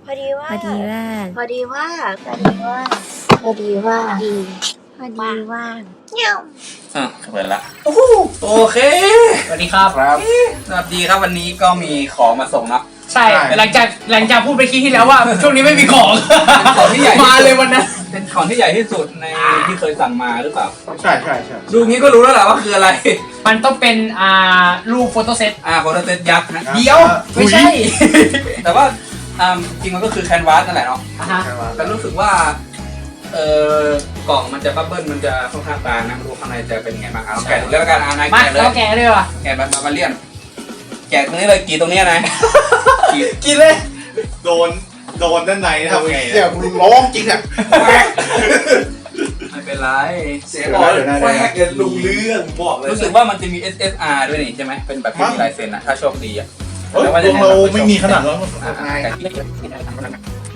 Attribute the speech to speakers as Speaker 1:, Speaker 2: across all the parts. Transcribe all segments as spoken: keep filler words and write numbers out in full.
Speaker 1: พอดีว่า
Speaker 2: พอดีว่า
Speaker 1: พอดีว่าพอดีว่าพอดีว่า
Speaker 2: พอดีพอดีว่าง
Speaker 1: เงี้ยว
Speaker 3: อ่ะเปิดละโอเค
Speaker 4: สวัสดีครับ
Speaker 3: ครับสวัสดีครับวันนี้ก็มีของมาส่งเนาะ
Speaker 4: ใช่หลังจากหลังจากพูดไปคลิปที่แล้วว่า ช่วงนี้ไม่มีของ
Speaker 3: เป็นของที่ใหญ่ที่สุด
Speaker 4: มาเลยวันนั้น
Speaker 3: เป็นของที่ใหญ่ที่สุดในที่เคยสั่งมาหรือเปล่า
Speaker 5: ใช่ใช่ใช่
Speaker 3: ดูงี้ก็รู้แล้วแหละว่าคืออะไร
Speaker 4: มันต้องเป็นอ่ารูปโฟโต้เซต
Speaker 3: อ่าโฟโตเซตยักษ์นะ
Speaker 4: เดียวไม่ใช่
Speaker 3: แต่ว่าอ่าจริงมันก็คือแคนวาสนั่นแหละเนาะ
Speaker 4: อ่ะฮะ
Speaker 3: แต่รู้สึกว่าเออกล่องมันจะบับเบิ้ลมันจะค่อนข้างบางนะไม่รู้ข้างในจะเป็นไงบ้างเอาแกะดูแล้วกันอ่านาย
Speaker 4: มา
Speaker 3: แกะเลย
Speaker 4: เราแกะเลยว่ะ
Speaker 3: แกะแบบบาบาเลียนแกะตรงนี้เลยกี่ตรงนี้นะกี่
Speaker 4: กินเลย
Speaker 5: โดนโดนด้านในทำไงเนี่ยคุณร้องจริงอ่ะ
Speaker 3: ไม่เป็นไร
Speaker 5: เสียก่อนเดี๋ยวนะ
Speaker 6: แควกเดี๋ยวลุงเรื่องบอกเลย
Speaker 3: รู้สึกว่ามันจะมี เอส เอส อาร์ ด้วยนี่ใช่ไหมเป็นแบบที่มีลายเซ็นอะถ้าโชคดีอะ
Speaker 5: เฮ้ยดวงเราไม่มีขนาดนั้น
Speaker 3: อ่า
Speaker 5: ไง
Speaker 3: ไง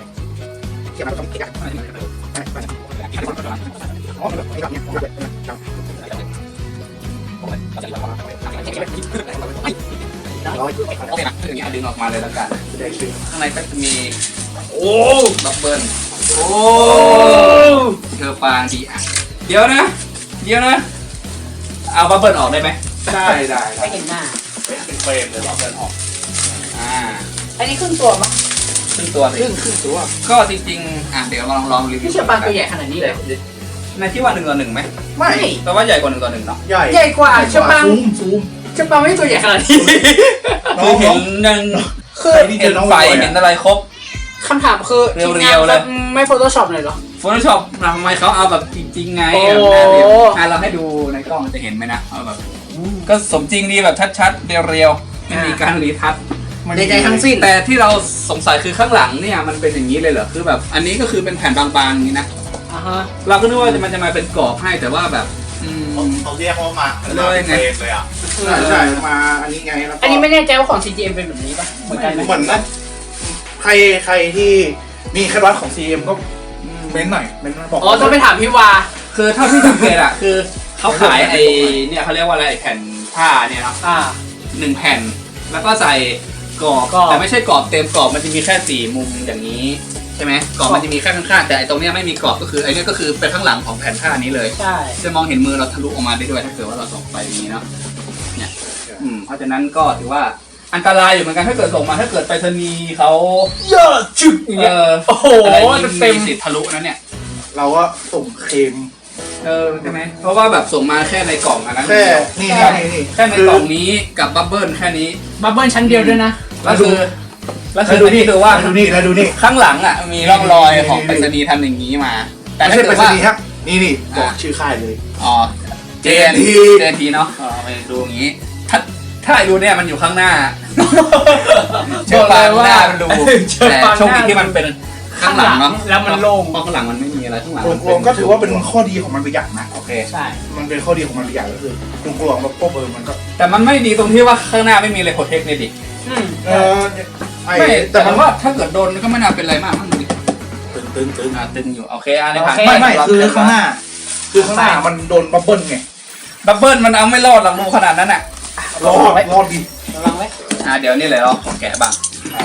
Speaker 3: โอเคนะอย่างนี้ดึงออกมาเลยแล้วกันข้างในก็จะมีโอ้บับเบิ้ลโอ้เธอฟางดีอ่ะเดี๋ยวนะ เดี๋ยวนะเอาบับเบิ้ลออกได้ไหม
Speaker 5: ได้ได้
Speaker 4: ไม่เห็นหน้า
Speaker 5: เป็นเฟรมเลยบับเบิ้ลออก
Speaker 3: อ่า
Speaker 4: อันนี้ครึ่งตัวมั้ง
Speaker 3: ครึ่งตัวสิ
Speaker 5: ครึ่งครึ่งตัว
Speaker 3: ก็จริงๆอ่ะเดี๋ยวลองลองรีวิว
Speaker 4: พี่เชื่อปลาตัวใหญ่ขนาดนี้เลย
Speaker 3: ในที่ว่าหนึ่งต่อหนึ่งไหม
Speaker 5: ไม่
Speaker 3: แต่ว่าใหญ่กว่าหนึ่งต่อหนึ่งเนาะ
Speaker 5: ใหญ่
Speaker 4: ใหญ่กว่าเชื่อปลา
Speaker 5: ซูมซูม
Speaker 4: เชื่อปลาไม่ตัวใหญ่ขนาดนี้
Speaker 3: คือเห็นยัง
Speaker 4: คือ
Speaker 3: เห็นไฟเห็นอะไรครบ
Speaker 4: คำถามคือ
Speaker 3: เรียวๆเลย
Speaker 4: ไม่โฟโต้ช็อปเลยเหรอ
Speaker 3: Photoshop ทำไมเขาเอาแบบจริงๆไง
Speaker 4: โอ้
Speaker 3: แบบหน้าเรียวอ่ะเราให้ดูในกล้องจะเห็นไหมนะเอาแบบก็สมจริงดีแบบชัดๆเรียวๆไม่มีการรีทัช
Speaker 4: ใดๆทั้งสิ้น
Speaker 3: แต่ที่เราสงสัยคือข้างหลังเนี่ยมันเป็นอย่างนี้เลยเหรอคือแบบอันนี้ก็คือเป็นแผ่นบางๆอย่างนี้นะ
Speaker 4: อ่าฮะ
Speaker 3: เราก็นึกว่ามันจะมาเป็นกรอบให้แต่ว่าแบบอืม
Speaker 5: เขาเรียกว่ามา
Speaker 3: เลยไง
Speaker 5: เฟรมเลยอ่ะใช่ใช่มาอันนี้ไงแล้วก็
Speaker 4: อันนี้ไม่แน่ใจว่าของ ซี จี เอ็ม เป็นแบบนี้ป่ะเหมือนกันไหม
Speaker 5: เหมือนนะใครใครที่มีแค่วัดของ ซี เอ็ม ก็เม้นหน่อยเม้นบอก
Speaker 4: อ๋อต้องไปถามพี่วา
Speaker 3: คือเท่าที่สังเกตอะคือเขาขายไอเนี่ยเขาเรียกว่าอะไรไอ้แผ่นผ้าเนี่ยเนาะ
Speaker 4: อ่า
Speaker 3: หนึ่งแผ่นแล้วก็ใส่กรอบ
Speaker 4: กรอบ
Speaker 3: แต่ไม่ใช่กรอบเต็มกรอบมันจะมีแค่สี่มุมอย่างนี้ใช่ไหมกรอบมันจะมีแค่ข้างๆแต่ไอตรงเนี้ยไม่มีกรอบก็คือไอเนี้ยก็คือเป็นข้างหลังของแผ่นผ้านี้เลย
Speaker 4: ใช่
Speaker 3: จะมองเห็นมือเราทะลุออกมาได้ด้วยถ้าเกิดว่าเราส่งไปอย่างนี้เนาะเนี่ยอืมเพราะฉะนั้นก็ถือว่าอันตรายอยู่เหมือนกันถ้าเกิดส่งมาถ้าเกิดไปรษณีย์เขา
Speaker 4: เยอะจุดอย่าง
Speaker 3: เอ
Speaker 4: เงี้ย
Speaker 3: อ
Speaker 4: โอ้โห
Speaker 3: อะไรนี่
Speaker 4: เต็ม
Speaker 3: มีสิทธิ์ทะลุนะเนี่ย
Speaker 5: เราก็ส่งเคลม
Speaker 3: เออใช่ไหมเพราะว่าแบบส่งมาแค่ในกล่องอันนั้น
Speaker 5: แค่
Speaker 3: เดียว
Speaker 5: นี่
Speaker 3: แค่
Speaker 5: นี่นี่
Speaker 3: แค่ในกล่องนี้กับบับเบิ้ลแค่นี้
Speaker 4: บับเบิ้ลชั้นเดียวด้วยนะ
Speaker 3: แล้วคือแล้วคื
Speaker 5: แล้
Speaker 3: อ
Speaker 5: วดู
Speaker 3: อัน
Speaker 5: นี่
Speaker 3: นี่คือว่า
Speaker 5: แล้วดูนี่แล้วดูนี่
Speaker 3: ข้างหลังอ่ะมีร่องรอย
Speaker 5: นี่
Speaker 3: ของ
Speaker 5: นี่
Speaker 3: ไปรษณีย์ทำอย่างนี้มา แต่
Speaker 5: ไม่
Speaker 3: ถ้า
Speaker 5: ใช่ไป
Speaker 3: เกิด
Speaker 5: รษ
Speaker 3: ว่า
Speaker 5: ณีย์ครับนี่นี่บอกชื่อค่ายเลย
Speaker 3: อ๋อ เจน
Speaker 5: เจ
Speaker 3: ที
Speaker 5: น
Speaker 3: เจนทีเนาะอ๋อไปดูอย่างนี้ ถ้าถ้าไอ้ดูเนี่ยมันอยู่ข้างหน้าเชื่อปางหน้ามันดู
Speaker 4: เชื่อ
Speaker 3: แต่
Speaker 4: ปางหน้า
Speaker 3: โชคดีที่มันเป็นข้างหลังเนาะ
Speaker 4: แล้วมันโล่ง
Speaker 3: เพราะข้างหลังมันไม่มีอะไรข้างหลัง
Speaker 5: รวมๆก็ถือว่าเป็นข้อดีของมันไปอย่างนะ
Speaker 3: โอเค
Speaker 4: ใช่
Speaker 5: มันเป็นข้อดีของมันไปอย่างก็คือกลวงๆแล้วก็เบอร์มันก็
Speaker 3: แต่มันไม่ดีตรงที่ว่าข้างหน้าไม่มีอะไรโปรเทคเนี่ยดิ
Speaker 4: อืม
Speaker 5: เออไอ้
Speaker 3: ไม่แต่
Speaker 5: แต่
Speaker 3: ผ
Speaker 5: มัน
Speaker 3: มว่าถ้าเกิดโดนก็ไม่น่าเป็นไรมากมั้งดิ
Speaker 5: ตึงตึงตึง
Speaker 3: อ่าตึงอยู่โอเคอันนี้ผ่าน
Speaker 5: ไม่ไม่
Speaker 3: ป
Speaker 5: คือข้างหน้า คือข้างหน้ามันโดนบับเบิ้ลไง
Speaker 3: บับเบิ้ลมันเอาไม่รอดหรอกรูขนาดนั้นอ่ะ
Speaker 5: รอดรอดดี
Speaker 4: ระวังไว้
Speaker 3: อ่าเดี๋ยวนี่เลยเราขอแกะบ้างอ่า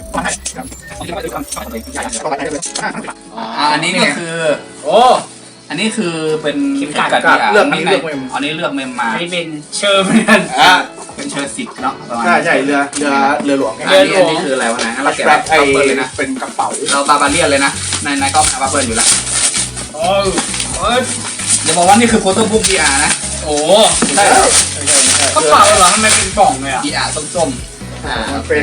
Speaker 3: อ่าอันนี้ก็คือ
Speaker 4: โอ้
Speaker 3: อันนี้คือเป็น
Speaker 4: เข็มกัด
Speaker 3: ดีะ
Speaker 5: เลือกนี้
Speaker 3: ข้างใน
Speaker 5: เลือกเมม
Speaker 3: อันนี้เลือกเมมมา
Speaker 4: อันนี้เป็นเชอร์เหมือนกัน
Speaker 5: อ่ะ
Speaker 3: เป็นเชอร์สิบเนาะประมาณ
Speaker 5: ใช่ใช่เรือเรือเรือหลวงไง
Speaker 3: อันนี้อันนี้คืออะไรวะนะงั้นเราแกะ
Speaker 5: แบ
Speaker 3: แบบ บ
Speaker 5: ไอ้
Speaker 3: บับเบิ้ลเลยนะ
Speaker 5: เป็นกระเป๋า
Speaker 3: เราบาบาเลียนเลยนะในในก็มาบับเบิ้ลอยู่แล้ว
Speaker 4: โอ้โอ้ย
Speaker 3: เดี๋ยวบอกว่านี่คือโฟโต้บุ๊ก ดี อาร์ นะ
Speaker 4: โอ้
Speaker 3: ใช่
Speaker 4: กระเป๋าเหรอทำไมเป็นกล่องเลยอ่ะ
Speaker 3: ดี อาร์ ส้มๆอ่า
Speaker 5: มันเป็น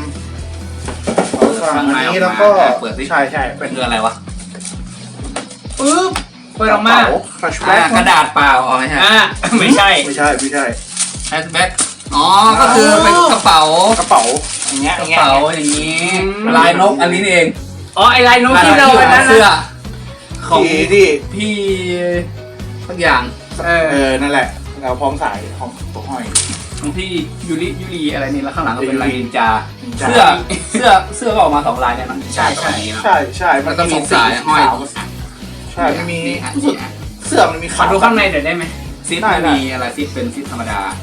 Speaker 3: ข้างใน
Speaker 5: อันนี้
Speaker 3: อ
Speaker 5: แล้
Speaker 3: อ
Speaker 5: ว
Speaker 3: ก
Speaker 5: ก็
Speaker 3: มาเปิดสิ
Speaker 5: ใช่ใช่
Speaker 3: เป็
Speaker 5: เป็น น
Speaker 3: คืออะไรวะ
Speaker 4: ปึ๊บเปิดออกมา
Speaker 5: แฟลช
Speaker 3: อ่า
Speaker 5: แบ็ก
Speaker 3: กระดาษเปล่าอ๋อไม่ใช่
Speaker 4: อ่าไม่ใช่
Speaker 5: ไม่ใช่ไม่ใช่
Speaker 3: แฮชแบ็กอ๋อก็คือเป็นกระเป๋าก
Speaker 5: ระเป๋าอย่างเงี้ย
Speaker 3: กระเป๋าอย่างนี้ลายนกอันนี้นี่เอง
Speaker 4: อ๋อไอลายนกที่เราวันนั้น
Speaker 3: เสื้อ
Speaker 4: นะ
Speaker 3: ของ
Speaker 5: ที่ที่
Speaker 3: พี่ทุกอย่าง
Speaker 4: เออ
Speaker 5: เออนั่นแหละเราพร้อมสายของตัวห้อย
Speaker 3: ของพี่ยูริยูริอะไรนี่แล้วข้างหลังก็เป็นลายนินจา
Speaker 5: นินจา
Speaker 3: เสื้อเสื้อเสื้อก็ออกมาสองลายเนี่ยนะ
Speaker 4: ใช่ใช่
Speaker 3: เนาะ
Speaker 5: ใช่ใช่
Speaker 3: แล้วก็มีสายห้อย
Speaker 5: ขาวกับใช่ไม่มี
Speaker 3: นี่ฮะ
Speaker 5: รู้สึกเสื้อมันมี
Speaker 4: ขอ
Speaker 5: ขาว
Speaker 4: ดูข้างในเดี๋ยวได้ไหม
Speaker 3: ซิป
Speaker 5: ได้
Speaker 3: ไม่
Speaker 5: ได้
Speaker 3: มีอะไรซิปเป็นซิปธรรมดา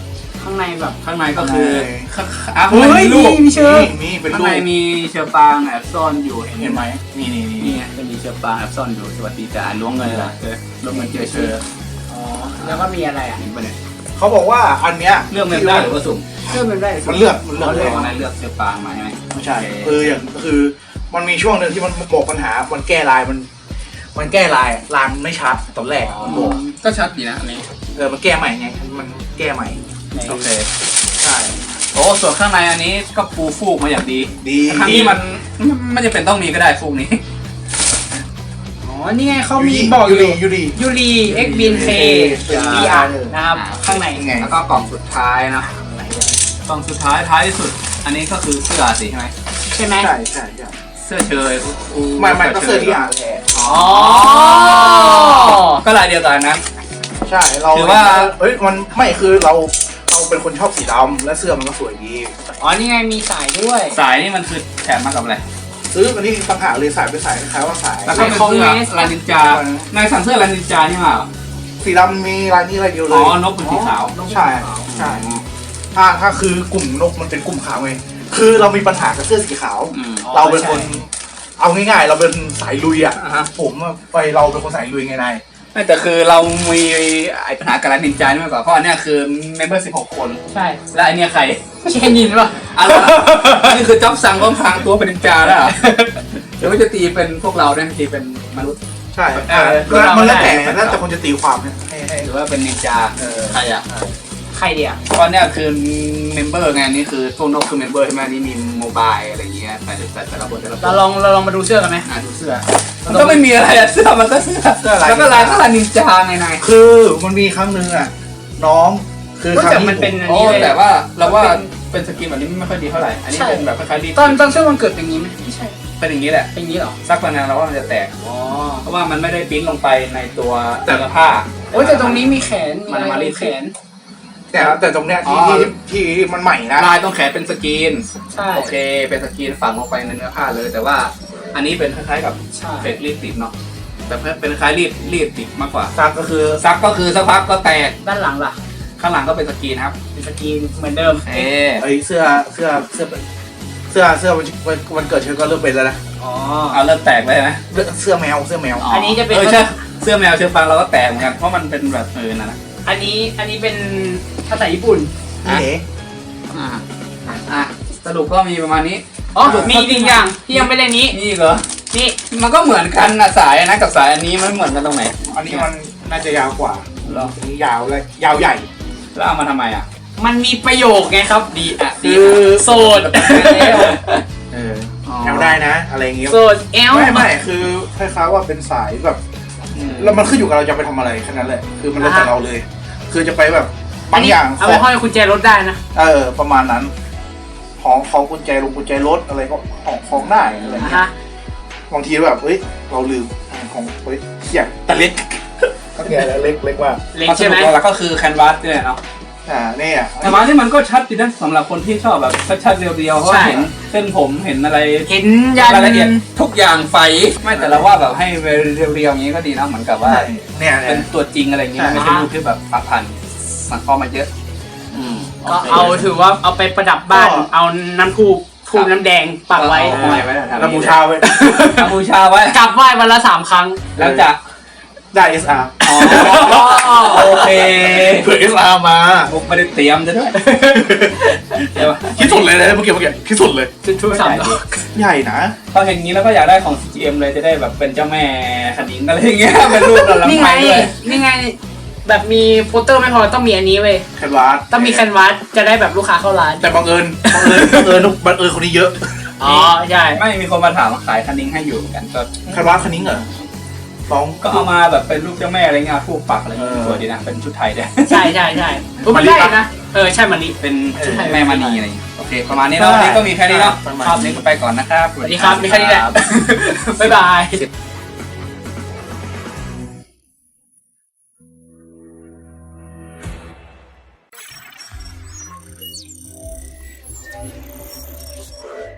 Speaker 4: ข้างในแบบ
Speaker 3: ข้างในก็คืออ่ะ
Speaker 4: เฮ้
Speaker 3: ข้างใน
Speaker 4: ย
Speaker 3: มีลูก
Speaker 4: มีเชื้อ
Speaker 5: มีเป็น
Speaker 3: ข้าง
Speaker 5: ลู
Speaker 3: ใน
Speaker 5: ก
Speaker 3: มีเชื้อปางแอบซ่อนอยู่เห็น
Speaker 5: เห็น
Speaker 3: ไห
Speaker 5: ไห
Speaker 3: ม
Speaker 5: มนี่นี่นี่
Speaker 3: นี่ไงจะมีเชื้อปางแอบซ่อนอยู่สวัสดีจ้าล้วงเงินละเจอล้วงเงินเจอเชื้อ
Speaker 4: อ๋อแล้วก็มีอะไรอ่ะ
Speaker 3: เห็นปะเนี่ย
Speaker 5: เขาบอกว่าอันเนี้ย
Speaker 3: เลือกเมมได้หรือว่าสุ่ม
Speaker 4: เชื่อมันได้
Speaker 5: มันเลือกมันเลือก
Speaker 3: เลื
Speaker 5: เล
Speaker 3: อก
Speaker 5: ย
Speaker 3: วันนั้นเลือกเชื้อปางมาใช่ไหม
Speaker 5: ไม่ใช่คืออย่างคือมันมีช่วงหนึ่งที่มันบอกปัญหามันแก้ลายมัน มันแก้ลายลายมันไม่ชัดตอนแรกมันบอก
Speaker 3: ก็ชัดดีนะอันนี้
Speaker 5: เออมันแก้ใหม่ไงมันแก้ใหม่
Speaker 3: โอเค
Speaker 5: ใช่
Speaker 3: โอ้ส่วนข้างในอันนี้ก็ปูฟูกมาอย่างดี
Speaker 5: ดี
Speaker 3: ข้างนี้มันไม่จำเป็นต้องมีก็ได้ฟูกนี้
Speaker 4: อ๋อนี่ไงเขามีบอกอ
Speaker 5: ยู
Speaker 4: ยู่
Speaker 5: รียูรี
Speaker 4: ยูรีเอ็กบินเค
Speaker 5: เป็น
Speaker 4: บีอาร์นะครับข้างใน
Speaker 5: ไง
Speaker 3: แล้วก็กล่องสุดท้ายนะกล่องสุดท้ายท้ายที่สุด อันนี้ก็คือเสื้อสิใช่ไหม
Speaker 4: ใช่ไหม
Speaker 5: ใช่ใช่ใช่
Speaker 3: เสื้อเชย
Speaker 5: ไม่ไม่ก็เสื้อที่อ่านแทน
Speaker 3: อ๋อก็ลายเดียวกันนะ
Speaker 5: ใช่เรา
Speaker 3: ถือว่า
Speaker 5: เฮ้ยมันไม่คือเราเราเป็นคนชอบสีดำและเสื้อมันก็สวยดี
Speaker 4: อ๋อนี่ไงมีสายด้วย
Speaker 3: สายนี่มันคือแถมมากับอะไร
Speaker 5: ซื้ออันนี้ต่างหากเลยสายเป็นสายคล้ายๆว่าสาย
Speaker 3: แล้วก็เป็นเสื้อลายนินจาในสั่งเสื้อลายนินจานี่มาเหรอ
Speaker 5: สีดำมีลายนี้ลายเดียวเล
Speaker 3: อ๋
Speaker 5: ย
Speaker 3: อนกเป็นสีขาว
Speaker 5: ใช่ใช่ถ้าถ้าคือกลุ่มนกมันเป็นกลุ่มขาวไงคือเรามีปัญหากับเสื้อสีขาว
Speaker 3: อืม
Speaker 5: เราเป็นคนเอาง่ายๆ เราเป็นสายลุยอ่ะ
Speaker 3: อ่าฮะ
Speaker 5: ผมอะไปเราเป็นคนสายลุยไงนาย
Speaker 3: ไม่แต่คือเรามีไอ้ปัญหากับลายนินจานี่มากกว่าเพราะอันเนี้ยคือเมมเบอร์สิบหกคน
Speaker 4: ใช่
Speaker 3: และไอเนี้ยใคร
Speaker 4: ไม่ใช่ยินป่ะ
Speaker 3: อะไรวะนี่คือจ็อบสั่งต้องพรางตัวเป็นนินจาแล้วเหรอหรือว่าจะตีเป็นพวกเราเนี่ยตีเป็นมนุษย์
Speaker 5: ใช่
Speaker 3: เออ
Speaker 5: คือมันแล้วแต่แล้วแต่คนจะตีความเนี่ยให้ให้
Speaker 3: หรือว่าเป็นนินจา
Speaker 5: เออ
Speaker 3: ใครอ่ะ
Speaker 4: ใครเดียว
Speaker 3: ตอนเนี้ยคือเมมเบอร์ไงนี่คือตัวนกคือเมมเบอร์ใช่ไหมนี่มีโมบายอะไรเงี้ยแต่แต่แต่ละคนแต่ละคน
Speaker 4: เราลองเราลองมาดูเสื้อกันไหม
Speaker 3: อ่ะดูเสื้อมันก็ไม่มีอะไรอะเสื้อมันก็เสื้อแล้วก็ลายก็ลายนินจาไงนาย
Speaker 5: คือมันมีครั้งหนึ่งอ่ะน้องคือ
Speaker 4: ก็
Speaker 5: ครั้ง
Speaker 4: แต่
Speaker 5: ที่
Speaker 4: มันเป็นอัน
Speaker 3: โอ้
Speaker 4: นี้เลย
Speaker 3: แต่ว่าเราว่าเป็นสกินแบบนี้ไม่ค่อยดีเท่าไหร่อันนี้เป็นแบบคล้ายๆดี
Speaker 4: ตอนตอนเสื้อวันเกิดเป็นอย่างนี้ไหมไม่ใช่
Speaker 3: เป็นอย่างนี้แหละ
Speaker 4: เป็นอย่างนี้เหรอ
Speaker 3: สักวันนึงเราว่ามันจะแตก
Speaker 4: อ๋อ
Speaker 3: เพราะว่ามันไม่ได้ปริ้นลงไปในตัวเนื้อผ้า
Speaker 4: โอ้ยแต่ตรงนี้มีแขนมี
Speaker 3: มัน
Speaker 4: อะไร
Speaker 3: มารีด
Speaker 4: แขน
Speaker 5: แต่แต่ตรงเนี้ยที่
Speaker 3: อ๋อ
Speaker 5: ที่ที่มันใหม่นะ
Speaker 3: ลายต้องแขนเป็นสกรีน
Speaker 4: ใช่
Speaker 3: โอเคเป็นสกรีนฝังลงไปในเนื้อผ้าเลย แต่ว่าอันนี้เป็นคล้ายๆกับ
Speaker 4: ใช่
Speaker 3: เฟกรีดติดเนาะแต่เป็นคล้ายรีดรีดติดมากกว่า
Speaker 5: ซักก็คือ
Speaker 3: ซักก็คือสักพักก็แตก
Speaker 4: ด้านหลังล่ะ
Speaker 3: ข้างหลังก็เป็นสกรีนครับ
Speaker 4: เป็นสกรีนเหมือนเดิม
Speaker 3: เอ๊
Speaker 5: ไอเสื้อเสื้อเสื้อเสื้อเสื้อวันวันเกิดเธอก็เริ่มเป็นแล้วนะ
Speaker 4: อ๋อ
Speaker 3: เอาเริ่มแตกไปไหม
Speaker 5: เสื้อแมวเสื้อแมว
Speaker 4: อันนี้จะเป็น
Speaker 3: ออใช่เสื้อแมวเชือกฟางเราก็แตกเหมือนกันเพราะมันเป็นแบบเออนั่นนะ
Speaker 4: อันนี้อันนี้เป็นภาษาญี่ปุ่น
Speaker 5: นี่เอ๋
Speaker 3: อ่าอ่ะสรุปก็มีประมาณนี้
Speaker 4: อ๋อมีอีกหนึ่งอย่างที่ยังไม่เล่นนี้
Speaker 3: นี่เหรอ
Speaker 4: นี่
Speaker 3: มันก็เหมือนกันนะสายนะกับสายอันนี้มันเหมือนกันตรงไหน
Speaker 5: อันนี้มันน่าจะยาวกว่า
Speaker 3: เหรอ
Speaker 5: อันนี้ยาวเลยยาวใหญ่
Speaker 3: แล้วเอามาทำไมอ่ะ
Speaker 4: มันมีประโยคไงครับ
Speaker 3: ดีอ่ะดี
Speaker 5: คือ
Speaker 4: โสด
Speaker 5: เออแอลได้นะอะไรอย่างเงี้ย
Speaker 4: โสดเอล
Speaker 5: ไม่ไม่คือคล้ายๆว่าเป็นสายแบบ แล้วมันขึ้นอยู่กับเราจะไปทำอะไรแค่นั้นแหละคือมันแล้วแต่เราเลย คือจะไปแบบบางอย่าง
Speaker 4: เอาไปห้อยกุญแจรถได้นะ
Speaker 5: เออประมาณนั้น ของของกุญแจลงกุญแจรถอะไรก็ของของได้อะไรอย่างเงี้ย
Speaker 4: ฮะ
Speaker 5: บางทีแบบเฮ้ยเราลืมของเฮ้ยเขี่ยแต่เล็กโอเคแล้วเล็กเล็กมาก
Speaker 4: เล็ก
Speaker 3: มันส
Speaker 4: ใช่ไหม
Speaker 3: รุปแล้วก็คือแคนวาสเนี่ยเนาะ
Speaker 5: อ่าเนี่ย
Speaker 3: แต่ว่าที่มันก็ชัดดีนะสำหรับคนที่ชอบแบบชัดๆเรียวๆเพราะว่าเห็นเส้นผมเห็นอะไร
Speaker 4: เห็นยัน
Speaker 3: รายละเอียดทุกอย่างไฟไม่แต่เราว่าแบบให้เรียวๆอย่างนี้ก็ดีนะเหมือนกับว่า
Speaker 5: เนี่ย
Speaker 3: เป็นตัวจริงอะไรอย่างเงี้ยไม่ใช่รูปที่แบบปักพันมันเข้ามาเยอะ อืม
Speaker 4: ก็เอาถือว่าเอาไปประดับบ้าน เอาน้ำทูบทูบน้ำแดงปักไว้
Speaker 3: เอาไว้ไว้แถว
Speaker 5: แล้ว
Speaker 3: นี้
Speaker 5: บูชาไว้
Speaker 3: เอาบูชาไว้
Speaker 4: กลับไหว้วันละสามครั้ง
Speaker 3: แล้วจะ
Speaker 5: ได้ เอส อาร์
Speaker 3: อ๋อโอเค
Speaker 5: เผื่อ เอส อาร์ มา
Speaker 3: มุกไม่ได้เตรียมจะด้วยใช่ปะ
Speaker 5: คิดสุดเลยนะเมื่อกี้เมื่อกี้คิดสุดเลย
Speaker 4: จุดทูบสามดอก
Speaker 5: ใหญ่นะ
Speaker 3: พอเห็นงี้แล้วก็อยากได้ของ ซี จี เอ็ม เลยจะได้แบบเป็นเจ้าแม่คณิงอะไรอย่างเงี้ยเป็นรูปเราลำ
Speaker 4: นี่
Speaker 3: ไพ
Speaker 4: ไง
Speaker 3: ด้วย
Speaker 4: นี่ไง แบบมีโปสเตอร์ไม่พอต้องมีอันนี้เว้ย
Speaker 5: แคนวาส
Speaker 4: ต้องมีแคนวาสจะได้แบบลูกค้าเข้าร้าน
Speaker 5: แต่บังเอิญบังเอิญบังเอิญบังเอิญคนนี้เยอะ
Speaker 4: อ๋อใช่
Speaker 3: ไม่มีคนมาถามว่าขายคณิงให้อยู่เหมือนกันก็
Speaker 5: แคนวาสคนนี้เหรอสอง
Speaker 3: ก็เอามาแบบเป็นรูปเจ้าแม่อะไรเงี้ยผูกปักอะไรเงี้ย
Speaker 5: เออ
Speaker 3: สวยดีนะเป็นชุดไทยด้วย
Speaker 4: ใช่ใช่ใช่เออมันได้นะ เออใช่มันนี้
Speaker 3: เป็นชุดแม่มณีอะไรอย่างเงี้ยโอเคประมาณนี้เนาะวันนี้ก็มีแค่นี้เนาะ
Speaker 5: ประมาณ
Speaker 3: ครับนี้ก็ไปก่อนนะครับ
Speaker 4: สวัสดีครับมีแค่นี้แหละ บ๊ายบาย